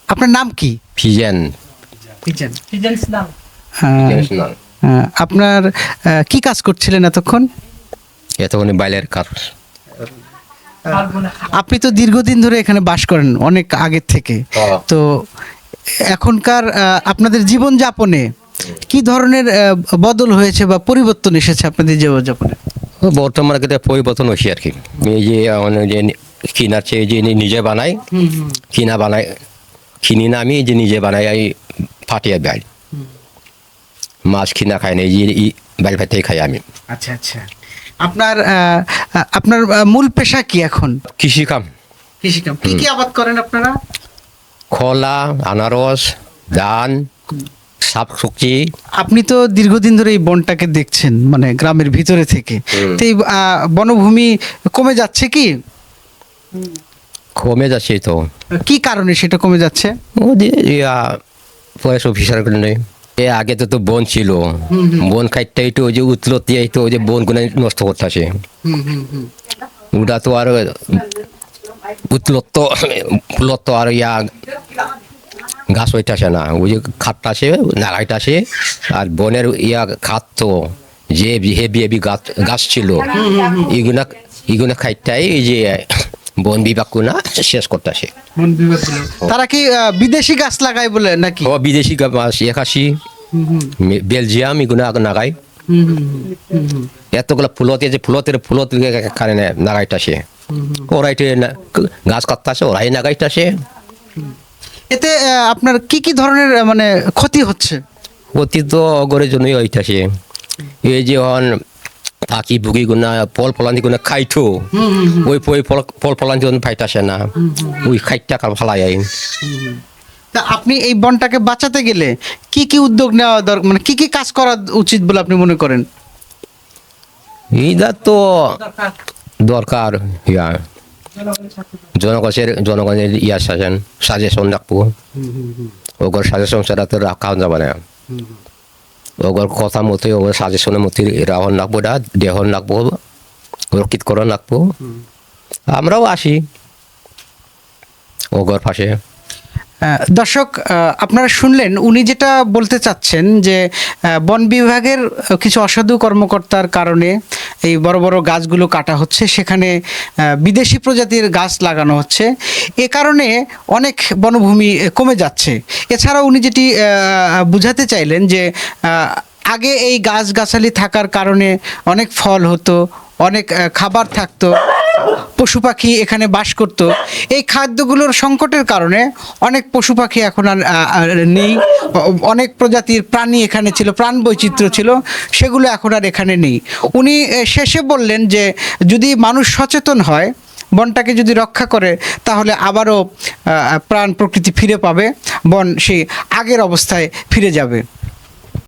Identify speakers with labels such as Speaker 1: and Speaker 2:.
Speaker 1: আপনার নাম কি?
Speaker 2: ফিজেন।
Speaker 1: আপনার কি কাজ করছিলেন এতক্ষণ?
Speaker 2: এতক্ষণ বাইলের কাজ।
Speaker 1: আপনি তো দীর্ঘদিন ধরে এখানে বাস করেন, অনেক আগের থেকে। তো এখনকার আপনাদের জীবনযাপনে কি ধরনের বদল হয়েছে বা পরিবর্তন এসেছে আপনাদের জীবনযাপনে?
Speaker 2: বর্তমানে কিন্তু পরিবর্তন হয়েছে আর কি। এই যে যে কিনার চেয়ে যে নিজে বানাই, কিনি না, আমি যে নিজে বানাই এই ফাটিয়ে বেল। মাছ কিনা খাই না, এই যে বেল ফাটিয়ে খাই আমি।
Speaker 1: আচ্ছা আচ্ছা। আপনার আপনার মূল পেশা কি এখন?
Speaker 2: কৃষিকাম।
Speaker 1: কৃষিকাম। কি কি আবাদ করেন আপনারা?
Speaker 2: কলা, আনারস, ধান, শাকসবজি।
Speaker 1: আপনি তো দীর্ঘদিন ধরে এই বনটাকে দেখছেন, মানে গ্রামের ভিতরে থেকে। তো এই বনভূমি কমে যাচ্ছে কি?
Speaker 2: কমে যাচ্ছে তো।
Speaker 1: কি কারণে সেটা কমে যাচ্ছে?
Speaker 2: ও যে ফরেস্ট অফিসার নেই। আগে তো বন ছিল, বন খাইতে তো ওই যে উতলত দিয়ে তো ওই যে বনগুলো নষ্ট করতেছে। ওটা তো আর ফুলত তো আর গাছ হইতেছে না, ওই যে খাটটাছে নাগাইতেছে। আর বনের খাত তো যে হেভি হেভি গাছ ছিল, এগুলা খাইটাই এই যে বন বিভাগ না শেষ করতেছে।
Speaker 1: তারা কি বিদেশি গাছ লাগায় বলে নাকি?
Speaker 2: ও বিদেশি গাছ, একাশি, বেলজিয়াম, এগুলো নাগাই। এতগুলো ফুলতের কারণে নাগাইতেছে। ওরাই গাছ কাটতেছে, ওরাই নাগাইতেছে।
Speaker 1: এতে আপনার কি কি ধরনের মানে ক্ষতি হচ্ছে?
Speaker 2: অতি তো অগরের জন্যই হইতেছে। এই যে থাকি বুকি গুনা ফল ফলান্তি গুনা খাইতো, ওই ফল ফলান্তি পাইতাছে না, ওই খাইটা কাল ফালাই।
Speaker 1: তা আপনি এই বনটাকে বাঁচাতে গেলে কি কি উদ্যোগ নেওয়া দরকার, মানে কি কি কাজ করা উচিত বলে আপনি মনে করেন?
Speaker 2: এইটা তো দরকার, জনগণের সাজেশন রাখবো। ওগর সাজেশন ছাড়া তো রাখা যাবে না। ওগর কথা মতো, ওগর সাজেশনের মতো রাহন রাখবো, দেহন রাখবো, রক্ষিতকরণ রাখবো। আমরাও আসি ওগর পাশে।
Speaker 1: দর্শক, আপনারা শুনলেন উনি যেটা বলতে চাচ্ছেন যে বন বিভাগের কিছু অসাধু কর্মকর্তার কারণে এই বড় বড় গাছগুলো কাটা হচ্ছে, সেখানে বিদেশি প্রজাতির গাছ লাগানো হচ্ছে। এ কারণে অনেক বনভূমি কমে যাচ্ছে। এছাড়াও উনি যেটি বুঝাতে চাইলেন যে আগে এই গাছগাছালি থাকার কারণে অনেক ফল হতো, অনেক খাবার থাকতো, পশু পাখি এখানে বাস করত। এই খাদ্যগুলোর সংকটের কারণে অনেক পশু পাখি এখন আর নেই। অনেক প্রজাতির প্রাণী এখানে ছিল, প্রাণ বৈচিত্র্য ছিল, সেগুলো এখন আর এখানে নেই। উনি শেষে বললেন যে যদি মানুষ সচেতন হয়, বনটাকে যদি রক্ষা করে, তাহলে আবারও প্রাণ প্রকৃতি ফিরে পাবে, বন সেই আগের অবস্থায় ফিরে যাবে।